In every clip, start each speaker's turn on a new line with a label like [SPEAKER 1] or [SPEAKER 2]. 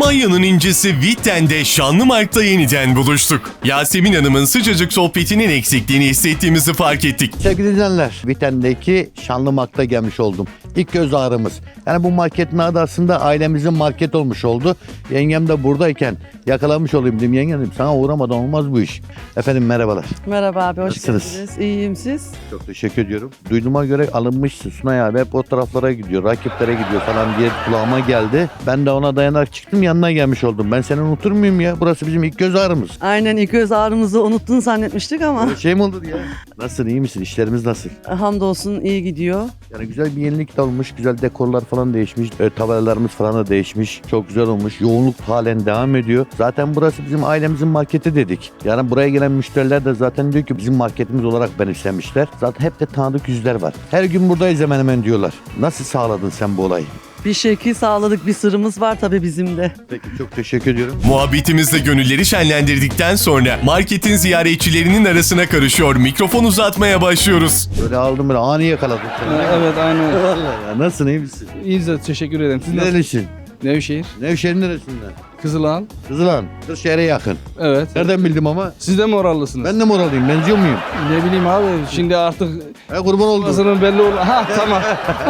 [SPEAKER 1] Almanya'nın incisi Witten'de Şanlımark'ta yeniden buluştuk. Yasemin Hanım'ın sıcacık sohbetinin eksikliğini hissettiğimizi fark ettik.
[SPEAKER 2] Sevgili izleyenler, Witten'deki Şanlımark'ta gelmiş oldum. İlk göz ağrımız. Yani bu marketin adı aslında ailemizin market olmuş oldu. Yengem de buradayken yakalamış olayım dedim. Yengem dedim, sana uğramadan olmaz bu iş. Efendim merhabalar.
[SPEAKER 3] Merhaba abi, hoş
[SPEAKER 2] Nasılsınız?
[SPEAKER 3] geldiniz. İyiyim, siz?
[SPEAKER 2] Çok teşekkür ediyorum. Duyduğuma göre alınmışsın Sunay abi. Hep o taraflara gidiyor, rakiplere gidiyor falan diye kulağıma geldi. Ben de ona dayanarak çıktım, yanına gelmiş oldum. Ben seni unutur muyum ya? Burası bizim ilk göz ağrımız.
[SPEAKER 3] Aynen, ilk göz ağrımızı unuttun zannetmiştik ama
[SPEAKER 2] Böyle şey mi olur ya? Nasılsın, iyi misin? İşlerimiz nasıl?
[SPEAKER 3] hamdolsun iyi gidiyor.
[SPEAKER 2] Yani güzel bir yenilik de olmuş. Güzel dekorlar falan değişmiş. Tabelalarımız falan da değişmiş. Çok güzel olmuş. Yoğunluk halen devam ediyor. Zaten burası bizim ailemizin marketi dedik. Yani buraya gelen müşteriler de zaten diyor ki bizim marketimiz olarak benimsemişler. Zaten hep de tanıdık yüzler var. Her gün buradayız hemen hemen diyorlar. Nasıl sağladın sen bu olayı?
[SPEAKER 3] Bir şekil sağladık, bir sırrımız var tabii bizim de.
[SPEAKER 2] Peki, çok teşekkür ediyorum.
[SPEAKER 1] Muhabbetimizle gönülleri şenlendirdikten sonra marketin ziyaretçilerinin arasına karışıyor, mikrofon uzatmaya başlıyoruz.
[SPEAKER 2] Böyle aldım, böyle ani yakaladım seni.
[SPEAKER 4] Evet aynen.
[SPEAKER 2] Vallahi ya, nasılsın, iyi misin?
[SPEAKER 4] İyiyiz de teşekkür ederim. Siz nasılsınız?
[SPEAKER 2] Nerelisin?
[SPEAKER 4] Nevşehir.
[SPEAKER 2] Nevşehir'in neresinden?
[SPEAKER 4] Kızılağan.
[SPEAKER 2] Kızılan. Kırşehir'e yakın.
[SPEAKER 4] Evet.
[SPEAKER 2] Nereden bildim ama?
[SPEAKER 4] Siz de mi orallısınız?
[SPEAKER 2] Ben de mi oralıyım? Benziyor muyum?
[SPEAKER 4] Ne bileyim abi. Şimdi artık
[SPEAKER 2] Kurban oldum.
[SPEAKER 4] orasının belli oldu. Ha tamam.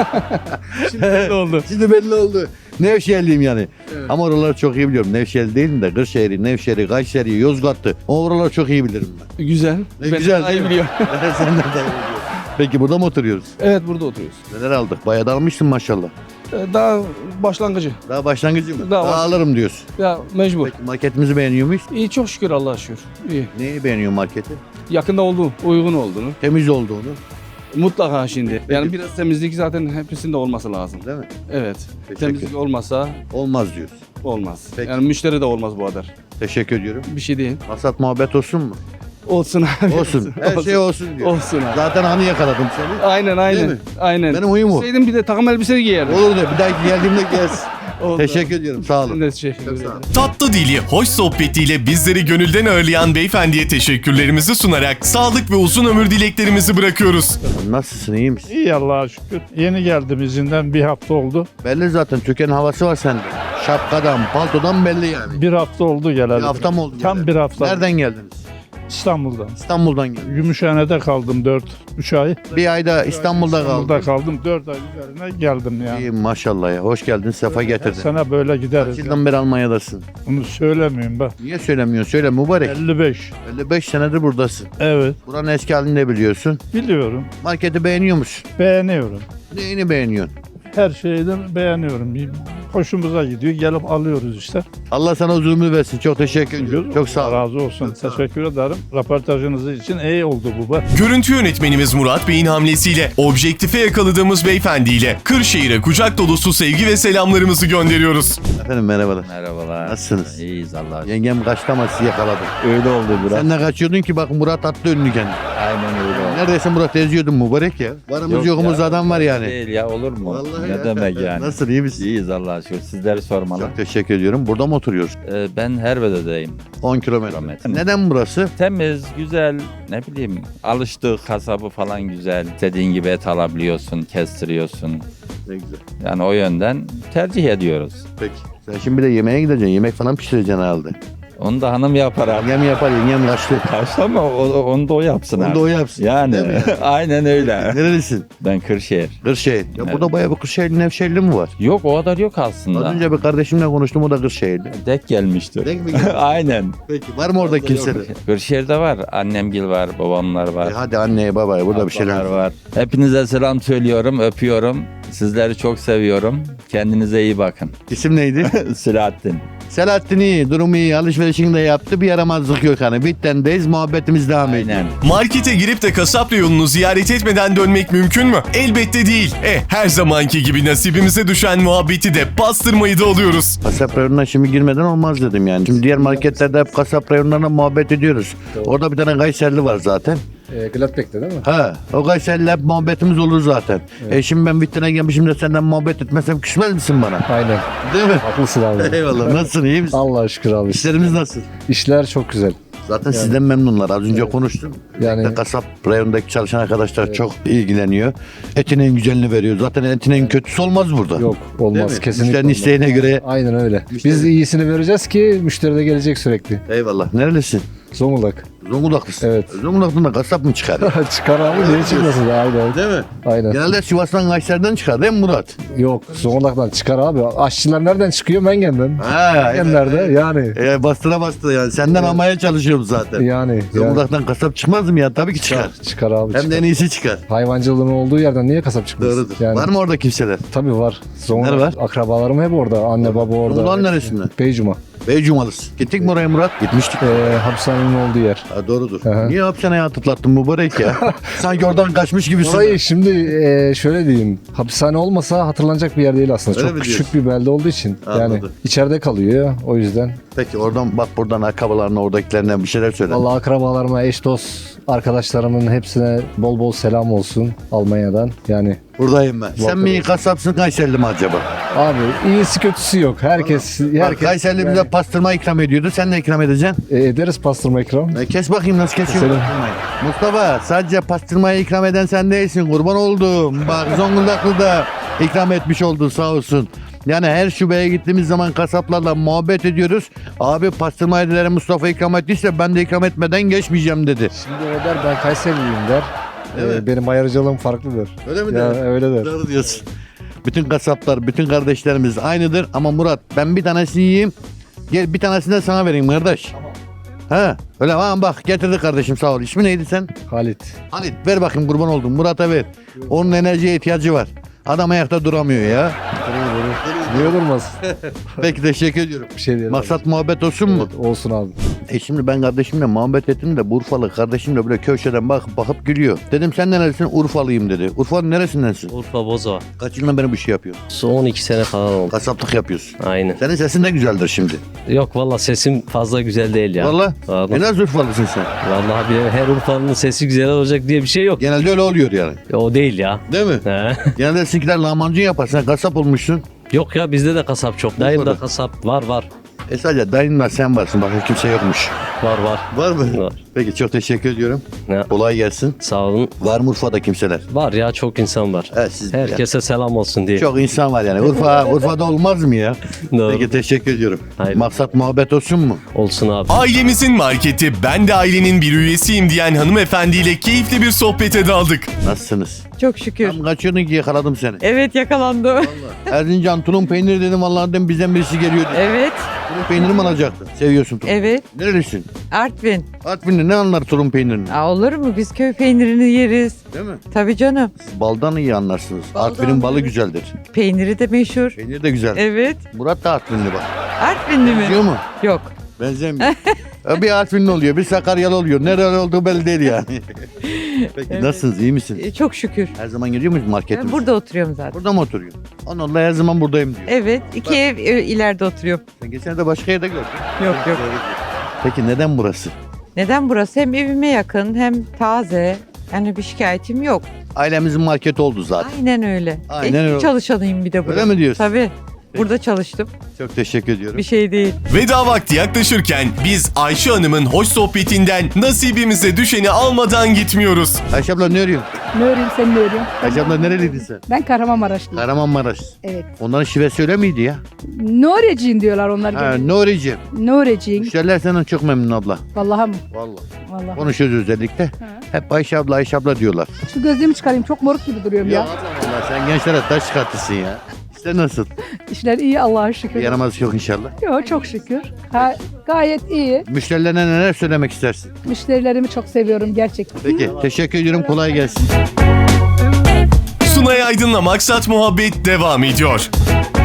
[SPEAKER 4] Şimdi belli oldu.
[SPEAKER 2] Şimdi belli oldu. Nevşehirliyim yani. Ama oraları çok iyi biliyorum. Nevşehir değilim de Kırşehir'i, Nevşehir'i, Kayseri'yi, Yozgat'ı. O oraları çok iyi bilirim ben.
[SPEAKER 4] Güzel. Ben
[SPEAKER 2] güzel,
[SPEAKER 4] daha
[SPEAKER 2] değil
[SPEAKER 4] iyi
[SPEAKER 2] mi?
[SPEAKER 4] biliyorum.
[SPEAKER 2] Sen de daha iyi biliyorsun. Peki burada mı oturuyoruz?
[SPEAKER 4] Evet burada oturuyoruz.
[SPEAKER 2] Neler aldık? Bayağı da almışsın maşallah.
[SPEAKER 4] Daha başlangıcı.
[SPEAKER 2] Daha başlangıcı mı?
[SPEAKER 4] Daha
[SPEAKER 2] Daha
[SPEAKER 4] baş-
[SPEAKER 2] alırım diyorsun.
[SPEAKER 4] Ya mecbur.
[SPEAKER 2] Peki marketimizi beğeniyor muyuz?
[SPEAKER 4] İyi çok şükür Allah'a şükür. İyi.
[SPEAKER 2] Neyi beğeniyor marketi?
[SPEAKER 4] Yakında olduğu, uygun olduğunu.
[SPEAKER 2] Temiz olduğunu.
[SPEAKER 4] Mutlaka şimdi. Yani biraz temizlik zaten hepsinde olması lazım.
[SPEAKER 2] Değil mi?
[SPEAKER 4] Evet.
[SPEAKER 2] Teşekkür.
[SPEAKER 4] Temizlik olmasa
[SPEAKER 2] Olmaz diyorsun.
[SPEAKER 4] olmaz.
[SPEAKER 2] Peki.
[SPEAKER 4] Yani müşteri de olmaz bu kadar.
[SPEAKER 2] Teşekkür ediyorum.
[SPEAKER 4] Bir şey değil.
[SPEAKER 2] Hasat muhabbet olsun mu?
[SPEAKER 4] Olsun abi.
[SPEAKER 2] Olsun. Her şey olsun diyor.
[SPEAKER 4] Olsun abi.
[SPEAKER 2] Zaten hani yakaladım seni.
[SPEAKER 4] Aynen
[SPEAKER 2] Değil
[SPEAKER 4] aynen.
[SPEAKER 2] mi?
[SPEAKER 4] Aynen.
[SPEAKER 2] Benim huyum o.
[SPEAKER 4] Bilseydim bir de takım elbise giyerdim.
[SPEAKER 2] Olur da bir daha geldiğimde gez.
[SPEAKER 4] Oldu.
[SPEAKER 2] Teşekkür ediyorum. Sağ
[SPEAKER 4] Ben
[SPEAKER 2] olun.
[SPEAKER 4] de teşekkür
[SPEAKER 2] Çok sağ
[SPEAKER 4] ederim.
[SPEAKER 2] olun.
[SPEAKER 1] Tatlı dili, hoş sohbetiyle bizleri gönülden ağırlayan beyefendiye teşekkürlerimizi sunarak sağlık ve uzun ömür dileklerimizi bırakıyoruz.
[SPEAKER 2] Nasılsın, iyi misin?
[SPEAKER 5] İyi Allah'a şükür. Yeni geldim izinden bir hafta oldu.
[SPEAKER 2] Belli zaten, Türkiye'nin havası var sende. Şapkadan, paltodan belli yani.
[SPEAKER 5] Bir hafta oldu geleli.
[SPEAKER 2] Bir hafta mı oldu?
[SPEAKER 5] Tam
[SPEAKER 2] geleli?
[SPEAKER 5] bir hafta.
[SPEAKER 2] Nereden geldiniz?
[SPEAKER 5] İstanbul'dan.
[SPEAKER 2] İstanbul'dan geldim.
[SPEAKER 5] Gümüşhane'de kaldım 3 ay.
[SPEAKER 2] Bir ayda İstanbul'da
[SPEAKER 5] İstanbul'da
[SPEAKER 2] kaldım.
[SPEAKER 5] kaldım. 4 ay üzerine geldim yani.
[SPEAKER 2] İyi maşallah ya. Hoş geldin, sefa
[SPEAKER 5] Her
[SPEAKER 2] getirdin.
[SPEAKER 5] sene böyle
[SPEAKER 2] Kaç
[SPEAKER 5] gideriz.
[SPEAKER 2] yıldan beri Almanya'dasın?
[SPEAKER 5] Bunu söylemiyorum ben.
[SPEAKER 2] Niye söylemiyorsun? Söyle mübarek.
[SPEAKER 5] 55.
[SPEAKER 2] 55 senedir buradasın.
[SPEAKER 5] Evet.
[SPEAKER 2] Buranın eski halini de biliyorsun.
[SPEAKER 5] Biliyorum.
[SPEAKER 2] Marketi beğeniyor musun?
[SPEAKER 5] Beğeniyorum.
[SPEAKER 2] Neyini beğeniyorsun?
[SPEAKER 5] Her şeyden beğeniyorum. Hoşumuza gidiyor. Gelip alıyoruz işte.
[SPEAKER 2] Allah sana uzun ömür versin. Çok teşekkür ediyorum. Çok sağ ol.
[SPEAKER 5] Razı olsun.
[SPEAKER 2] Çok sağ ol.
[SPEAKER 5] Teşekkür ederim. Röportajınız için iyi oldu bu.
[SPEAKER 1] Görüntü yönetmenimiz Murat Bey'in hamlesiyle objektife yakaladığımız beyefendiyle Kırşehir'e kucak dolusu sevgi ve selamlarımızı gönderiyoruz.
[SPEAKER 2] Efendim merhabalar.
[SPEAKER 6] Merhabalar.
[SPEAKER 2] Nasılsınız?
[SPEAKER 6] İyiyiz Allah'a şükür.
[SPEAKER 2] Yengem kaçtı ama sizi yakaladı.
[SPEAKER 6] Öyle oldu biraz.
[SPEAKER 2] Sen de kaçıyordun ki bak Murat attı önünü kendini.
[SPEAKER 6] Aynen öyle oldu.
[SPEAKER 2] Neredeyse Murat eziyordun mübarek ya. Varımız
[SPEAKER 6] Yok
[SPEAKER 2] yokumuz
[SPEAKER 6] ya,
[SPEAKER 2] adam var yani.
[SPEAKER 6] Değil ya olur mu?
[SPEAKER 2] Vallahi
[SPEAKER 6] ne
[SPEAKER 2] ya.
[SPEAKER 6] demek yani?
[SPEAKER 2] Nasıl, iyi misin?
[SPEAKER 6] İyiyiz Allah'a şükür. Sizleri sormalı.
[SPEAKER 2] Çok teşekkür ediyorum. Burada mı oturuyoruz?
[SPEAKER 6] Ben Herbede'deyim.
[SPEAKER 2] 10 kilometre.
[SPEAKER 6] Kilometre.
[SPEAKER 2] Neden burası?
[SPEAKER 6] Temiz, güzel, ne bileyim alıştığı kasabı falan güzel. İstediğin gibi et alabiliyorsun, kestiriyorsun.
[SPEAKER 2] Ne güzel.
[SPEAKER 6] Yani o yönden tercih ediyoruz.
[SPEAKER 2] Peki. Sen şimdi bir de yemeğe gideceksin. Yemek falan pişireceksin herhalde.
[SPEAKER 6] Onu da hanım yapar abi.
[SPEAKER 2] Yengem yapar. Yengem yaşlı.
[SPEAKER 6] Kaçtı ama onu da o yapsın
[SPEAKER 2] Onu
[SPEAKER 6] abi.
[SPEAKER 2] da o yapsın.
[SPEAKER 6] Yani
[SPEAKER 2] Değil mi?
[SPEAKER 6] aynen öyle.
[SPEAKER 2] Nerelisin?
[SPEAKER 6] Ben Kırşehir.
[SPEAKER 2] Kırşehir. Ya
[SPEAKER 6] Evet.
[SPEAKER 2] burada bayağı bir Kırşehirli, Nevşehirli mi var?
[SPEAKER 6] Yok o kadar yok
[SPEAKER 2] Az
[SPEAKER 6] aslında.
[SPEAKER 2] önce bir kardeşimle konuştum, o da Kırşehirli.
[SPEAKER 6] Dek gelmiştir.
[SPEAKER 2] Denk mi geldi?
[SPEAKER 6] Aynen.
[SPEAKER 2] Peki. Var mı orada kimse de?
[SPEAKER 6] Kırşehir'de var. Annemgil var, babamlar var.
[SPEAKER 2] Hadi anneye babaya burada bir şeyler
[SPEAKER 6] ablalar var. Hepinize selam söylüyorum, öpüyorum. Sizleri çok seviyorum. Kendinize iyi bakın.
[SPEAKER 2] İsim neydi?
[SPEAKER 6] Selahattin.
[SPEAKER 2] Selahattin iyi, durumu iyi, alışverişini de yaptı. Bir yaramazlık yok hani. Bitten'deyiz, muhabbetimiz devam ediyor.
[SPEAKER 6] Aynen.
[SPEAKER 1] Markete girip de kasap reyonunu ziyaret etmeden dönmek mümkün mü? Elbette değil. Her zamanki gibi nasibimize düşen muhabbeti de pastırmayı da alıyoruz.
[SPEAKER 2] Kasap reyonuna şimdi girmeden olmaz dedim yani. Şimdi diğer marketlerde hep kasap reyonlarına muhabbet ediyoruz. Orada bir tane Kayserili var zaten.
[SPEAKER 7] Gladbeck'te değil mi?
[SPEAKER 2] Ha, o Kayseri'yle hep muhabbetimiz olur zaten. Şimdi ben Bitten'e gelmişim de senden muhabbet etmesem küsmez misin bana?
[SPEAKER 7] Aynen.
[SPEAKER 2] Değil mi?
[SPEAKER 7] Haklısın abi.
[SPEAKER 2] Eyvallah. Nasılsın, iyi misin?
[SPEAKER 7] Allah'a şükür abi.
[SPEAKER 2] İşlerimiz nasıl?
[SPEAKER 7] İşler çok güzel.
[SPEAKER 2] Zaten sizden memnunlar. Az önce konuştum.
[SPEAKER 7] Yani-
[SPEAKER 2] Yani kasap reyonundaki çalışan arkadaşlar çok ilgileniyor. Etin en güzelini veriyor. Zaten etin en kötüsü olmaz burada.
[SPEAKER 7] Yok
[SPEAKER 2] Değil
[SPEAKER 7] olmaz
[SPEAKER 2] mi?
[SPEAKER 7] kesinlikle.
[SPEAKER 2] Müşterinin
[SPEAKER 7] olmaz.
[SPEAKER 2] isteğine göre.
[SPEAKER 7] Aynen öyle.
[SPEAKER 2] Müşteri-
[SPEAKER 7] Biz iyisini vereceğiz ki müşteri de gelecek sürekli.
[SPEAKER 2] Eyvallah. Nerelisin?
[SPEAKER 7] Zonguldak.
[SPEAKER 2] Zonguldaklısın.
[SPEAKER 7] Evet.
[SPEAKER 2] Zonguldak'tan da kasap mı çıkar?
[SPEAKER 7] Çıkar abi niye çıkmasın? Aynen.
[SPEAKER 2] Değil mi?
[SPEAKER 7] Aynen.
[SPEAKER 2] Genelde Sivas'tan Kayseri'den çıkar değil mi Murat?
[SPEAKER 7] Yok Zonguldak'tan çıkar abi. Aşçılar nereden çıkıyor? Mengen'den. Mengenler'de yani.
[SPEAKER 2] Bastıra bastıra yani. Senden almaya çalışıyorum zaten.
[SPEAKER 7] Yani.
[SPEAKER 2] Zonguldak'tan kasap çıkmaz mı ya? Tabii ki çıkar.
[SPEAKER 7] Çıkar abi.
[SPEAKER 2] Hem de en iyisi çıkar.
[SPEAKER 7] Hayvancılığın olduğu yerden niye kasap çıkmaz?
[SPEAKER 2] Doğrudur.
[SPEAKER 7] Yani,
[SPEAKER 2] Var mı orada kimseler?
[SPEAKER 7] Tabii var.
[SPEAKER 2] Kimler var?
[SPEAKER 7] Akrabalarım hep orada. Anne baba orada.
[SPEAKER 2] Zonguldak'ın neresinden?
[SPEAKER 7] Beycuma.
[SPEAKER 2] Beycumalısın. Gittik mi oraya Murat? Gitmiştik.
[SPEAKER 7] Hapishanenin olduğu yer.
[SPEAKER 2] Ha, doğrudur.
[SPEAKER 7] Aha.
[SPEAKER 2] Niye hapishaneye atıklattın mübarek ya? Sanki oradan kaçmış gibisin.
[SPEAKER 7] Orayı şimdi şöyle diyeyim. Hapishane olmasa hatırlanacak bir yer değil aslında.
[SPEAKER 2] Öyle
[SPEAKER 7] Çok
[SPEAKER 2] mi
[SPEAKER 7] küçük bir belde olduğu için. Yani
[SPEAKER 2] Anladım.
[SPEAKER 7] içeride kalıyor o yüzden.
[SPEAKER 2] Peki oradan bak buradan akrabalarına oradakilerine bir şeyler söyle.
[SPEAKER 7] Vallahi akrabalarıma, eş dost arkadaşlarımın hepsine bol bol selam olsun Almanya'dan. Yani
[SPEAKER 2] Buradayım ben. Sen mi kasapsın Kayserili mi acaba?
[SPEAKER 7] abi iyisi kötüsü yok. Herkes
[SPEAKER 2] Bak, Kayserili bize pastırma ikram ediyordu. Sen ne ikram edeceksin?
[SPEAKER 7] ederiz pastırma ikram.
[SPEAKER 2] Kes bakayım nasıl kesiyor
[SPEAKER 7] Keselim.
[SPEAKER 2] pastırmayı. Mustafa sadece pastırmayı ikram eden sen değilsin. Kurban oldum. Bak Zonguldaklı da ikram etmiş oldu sağ olsun. Yani her şubeye gittiğimiz zaman kasaplarla muhabbet ediyoruz. Abi pastırmayı dediler Mustafa ikram ettiyse ben de ikram etmeden geçmeyeceğim dedi.
[SPEAKER 7] Şimdi o der ben Kayseriliyim der.
[SPEAKER 2] Evet.
[SPEAKER 7] Benim ayrıcalığım farklıdır.
[SPEAKER 2] Öyle mi
[SPEAKER 7] Ya,
[SPEAKER 2] der?
[SPEAKER 7] öyle der.
[SPEAKER 2] Doğru diyorsun. Bütün kasaplar, bütün kardeşlerimiz aynıdır. Ama Murat ben bir tanesini yiyeyim. Gel bir tanesini de sana vereyim kardeş. Ha, öyle ama bak getirdi kardeşim sağ ol. İsmi neydi sen?
[SPEAKER 7] Halit.
[SPEAKER 2] Halit ver bakayım kurban oldum. Murat'a ver. Onun enerjiye ihtiyacı var. Adam ayakta duramıyor ya.
[SPEAKER 7] Niye durmaz?
[SPEAKER 2] Peki teşekkür ediyorum.
[SPEAKER 7] Bir şey değil.
[SPEAKER 2] Maksat muhabbet olsun mu?
[SPEAKER 7] Evet, olsun abi.
[SPEAKER 2] Şimdi ben kardeşimle muhabbet ettim de bu Urfalı kardeşimle böyle köşeden bakıp gülüyor. Dedim sen nerelisin? Urfalıyım dedi. Urfa'nın neresindensin?
[SPEAKER 8] Urfa Bozova.
[SPEAKER 2] Kaç yıldan beri bu işi yapıyorsun?
[SPEAKER 8] Son 12 sene falan oldu.
[SPEAKER 2] Kasaplık yapıyorsun.
[SPEAKER 8] Aynen.
[SPEAKER 2] Senin sesin de güzeldir şimdi.
[SPEAKER 8] Yok valla sesim fazla güzel değil ya.
[SPEAKER 2] Valla.
[SPEAKER 8] Vallahi.
[SPEAKER 2] Nasıl Urfalısın sen?
[SPEAKER 8] Vallahi bir her Urfa'nın sesi güzel olacak diye bir şey yok.
[SPEAKER 2] Genelde öyle oluyor yani.
[SPEAKER 8] O değil ya.
[SPEAKER 2] Değil mi?
[SPEAKER 8] He.
[SPEAKER 2] Genelde sizinkiler lahmacun yapar. Sen kasap olmuşsun.
[SPEAKER 8] Yok ya bizde de kasap çok. Dayım da
[SPEAKER 2] Urfa'da.
[SPEAKER 8] kasap var.
[SPEAKER 2] Sadece dayınla sen varsın. Başka kimse yokmuş.
[SPEAKER 8] Var.
[SPEAKER 2] Var mı?
[SPEAKER 8] Var.
[SPEAKER 2] Peki çok teşekkür ediyorum.
[SPEAKER 8] Ne?
[SPEAKER 2] Kolay gelsin.
[SPEAKER 8] Sağ olun.
[SPEAKER 2] Var mı Urfa'da kimseler?
[SPEAKER 8] Var ya çok insan var.
[SPEAKER 2] Evet, siz
[SPEAKER 8] Herkese selam olsun diye.
[SPEAKER 2] Çok insan var yani. Urfa'da olmaz mı ya?
[SPEAKER 8] Doğru.
[SPEAKER 2] Peki teşekkür ediyorum.
[SPEAKER 8] Hayır.
[SPEAKER 2] Maksat muhabbet olsun mu?
[SPEAKER 8] Olsun abi.
[SPEAKER 1] Ailemizin marketi, ben de ailenin bir üyesiyim diyen hanımefendiyle keyifli bir sohbete daldık.
[SPEAKER 2] Nasılsınız?
[SPEAKER 3] Çok şükür.
[SPEAKER 2] Tam kaçıyordun ki yakaladım seni.
[SPEAKER 3] Evet yakalandı.
[SPEAKER 2] Erzincan tulum peyniri dedim vallahi dedim bizden birisi geliyor.
[SPEAKER 3] Evet.
[SPEAKER 2] Tulum peyniri mi alacaktın? Seviyorsun tulum.
[SPEAKER 3] Evet.
[SPEAKER 2] Nerelisin?
[SPEAKER 3] Artvin.
[SPEAKER 2] Artvinli ne anlar tulum peynirini?
[SPEAKER 3] Olur mu? Biz köy peynirini yeriz.
[SPEAKER 2] Değil mi?
[SPEAKER 3] Tabii canım.
[SPEAKER 2] Siz baldan iyi anlarsınız.
[SPEAKER 3] Baldan,
[SPEAKER 2] Artvin'in balı
[SPEAKER 3] evet.
[SPEAKER 2] güzeldir.
[SPEAKER 3] Peyniri de meşhur.
[SPEAKER 2] Peynir de güzel.
[SPEAKER 3] Evet.
[SPEAKER 2] Murat da Artvinli bak.
[SPEAKER 3] Artvinli mi?
[SPEAKER 2] Biliyor mu?
[SPEAKER 3] Yok.
[SPEAKER 2] Benzemiyor. Bir Artvinli oluyor, bir Sakaryalı oluyor. Nereli olduğu belli değil yani. Peki
[SPEAKER 3] Evet.
[SPEAKER 2] nasılsınız, iyi misiniz?
[SPEAKER 3] Çok şükür.
[SPEAKER 2] Her zaman geliyor musunuz marketimize?
[SPEAKER 3] Ben burada oturuyorum zaten.
[SPEAKER 2] Burada mı oturuyorsun? Onunla her zaman buradayım diyor.
[SPEAKER 3] Evet. 2 ev ileride oturuyorum.
[SPEAKER 2] Sen geçen de başka yerde gördün.
[SPEAKER 3] Yok.
[SPEAKER 2] Peki neden burası?
[SPEAKER 3] Neden burası? Hem evime yakın hem taze. Yani bir şikayetim yok.
[SPEAKER 2] Ailemizin marketi oldu zaten.
[SPEAKER 3] Aynen öyle.
[SPEAKER 2] Aynen öyle.
[SPEAKER 3] Çalışanıyım bir de burada.
[SPEAKER 2] Öyle mi diyorsun?
[SPEAKER 3] Tabii. Burada çalıştım.
[SPEAKER 2] Çok teşekkür ediyorum.
[SPEAKER 3] Bir şey değil.
[SPEAKER 1] Veda vakti yaklaşırken biz Ayşe Hanım'ın hoş sohbetinden nasibimize düşeni almadan gitmiyoruz.
[SPEAKER 2] Ayşe abla ne arıyorsun?
[SPEAKER 9] Ne öreyim sen ne örüyorsun?
[SPEAKER 2] Ayşe abla nereliydin sen?
[SPEAKER 9] Ben Kahramanmaraşlıyım.
[SPEAKER 2] Kahramanmaraş.
[SPEAKER 9] Evet.
[SPEAKER 2] Onların şivesi öyle miydi ya?
[SPEAKER 9] Nureciyim diyorlar onlar.
[SPEAKER 2] Ha,
[SPEAKER 9] genelde.
[SPEAKER 2] Nuri'ciğim.
[SPEAKER 9] Nureciyim.
[SPEAKER 2] Müşteriler senden çok memnun abla.
[SPEAKER 9] Vallahi mı?
[SPEAKER 2] Vallahi.
[SPEAKER 9] Vallahi.
[SPEAKER 2] Konuşuyoruz özellikle.
[SPEAKER 9] Ha.
[SPEAKER 2] Hep Ayşe abla diyorlar.
[SPEAKER 9] Şu gözlüğümü çıkarayım. Çok moruk gibi duruyorum ya.
[SPEAKER 2] Allah sen gençlere taş çıkartırsın ya. İşte nasıl?
[SPEAKER 9] İşler iyi Allah'a şükür.
[SPEAKER 2] Bir yaramaz yok inşallah.
[SPEAKER 9] Yok çok şükür. Ha, gayet iyi.
[SPEAKER 2] Müşterilerine neler söylemek istersin?
[SPEAKER 9] Müşterilerimi çok seviyorum gerçekten.
[SPEAKER 2] Peki teşekkür ediyorum kolay gelsin.
[SPEAKER 1] Sunay Aydın'la Maksat Muhabbet devam ediyor.